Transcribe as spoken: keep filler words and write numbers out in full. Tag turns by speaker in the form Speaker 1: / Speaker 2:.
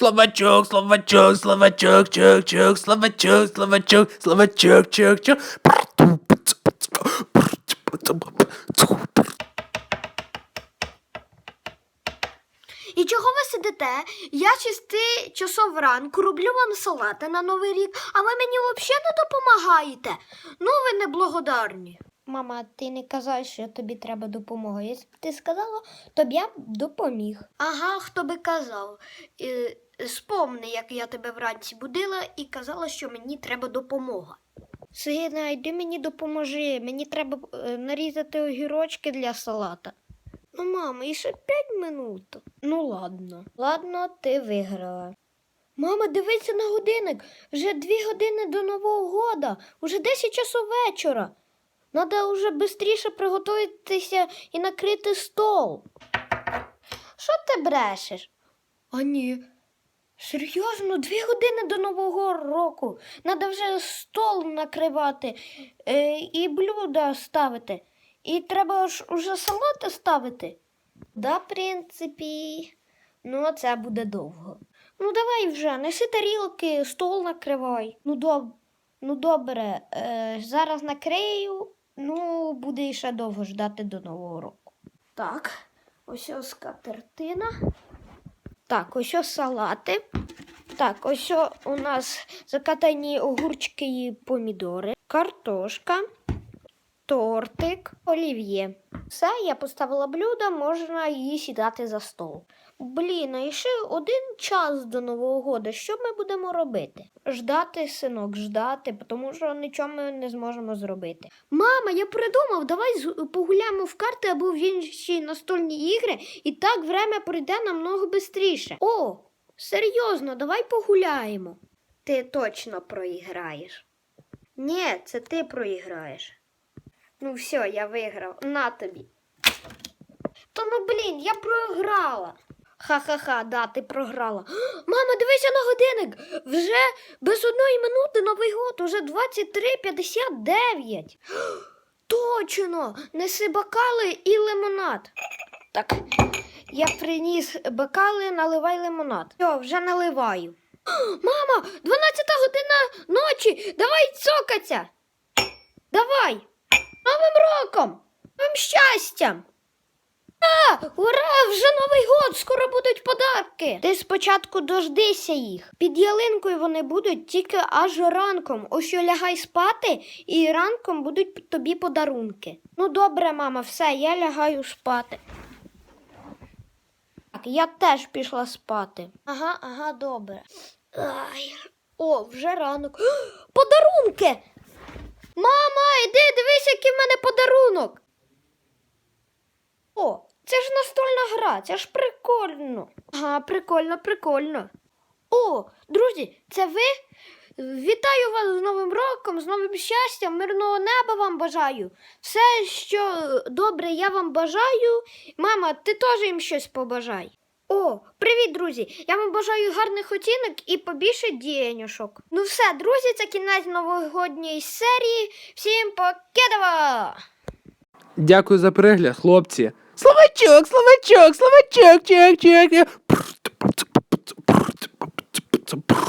Speaker 1: Словачок, словачок, словачок, чок, чок, словачок, словачок, словачок, чок, чок.
Speaker 2: І чого ви сидите? Я шести часов ранку роблю вам салати на Новий рік, а ви мені взагалі не допомагаєте. Ну, ви неблагодарні. Мама, ти не казала, що тобі треба допомога. Якщо б ти сказала, то б я б допоміг. Ага, хто би казав. Е, спомни, як я тебе вранці будила і казала, що мені треба допомога. Сина, йди мені допоможи. Мені треба е, нарізати огірочки для салата. Ну, мама, і ще п'ять минут. Ну, ладно. Ладно, ти виграла. Мама, дивися на годинник. Вже дві години до Нового года. Уже десять часов вечора. Надо вже швидше приготуватися і накрити стол. Що ти брешеш? А ні. Серйозно, дві години до Нового року. Надо вже стол накривати е, і блюда ставити. І треба ж уже салати ставити? Да, в принципі. Ну, це буде довго. Ну, давай вже, неси тарілки, стол накривай. Ну, доб... ну добре, е, зараз накрию, ну, буде ще довго ждати до Нового року. Так, ось ось скатертина. Так, ось ось салати. Так, ось ось у нас закатані огурчики і помідори, картошка. Тортик, олів'є. Все, я поставила блюдо, можна її сідати за стол. Блін, а ще один час до Нового року. Що ми будемо робити? Ждати, синок, ждати, тому що нічого ми не зможемо зробити. Мама, я придумав, давай погуляємо в карти або в інші настольні ігри, і так время пройде намного швидше. О, серйозно, давай погуляємо. Ти точно проіграєш. Ні, це ти проіграєш. Ну все, я виграв. На тобі. Та ну блін, я програла. Ха-ха-ха, да, ти програла. Мама, дивися на годинник. Вже без одної минути Новий год, уже двадцять три п'ятдесят дев'ять. Точно, неси бокали і лимонад. Так, я приніс бокали, наливай лимонад. Все, вже наливаю. Мама, дванадцята година ночі, давай цокаться. Давай. Новим роком! Новим щастям! А, ура! Вже Новий год! Скоро будуть подарки! Ти спочатку дождися їх. Під ялинкою вони будуть тільки аж ранком. Ось що лягай спати, і ранком будуть тобі подарунки. Ну добре, мама, все, я лягаю спати. Так, я теж пішла спати. Ага, ага, добре. Ай. О, вже ранок. Подарунки! Мама, іди, дивись, який в мене подарунок. О, це ж настольна гра, це ж прикольно. Ага, прикольно, прикольно. О, друзі, це ви? Вітаю вас з Новим роком, з новим щастям, мирного неба вам бажаю. Все, що добре, я вам бажаю. Мама, ти теж їм щось побажай. О, привіт, друзі! Я вам бажаю гарних оцінок і побільше діянюшок. Ну все, друзі, це кінець новогодньої серії. Всім покедова!
Speaker 1: Дякую за перегляд, хлопці. Словачок, словачок, словачок, чок, чок.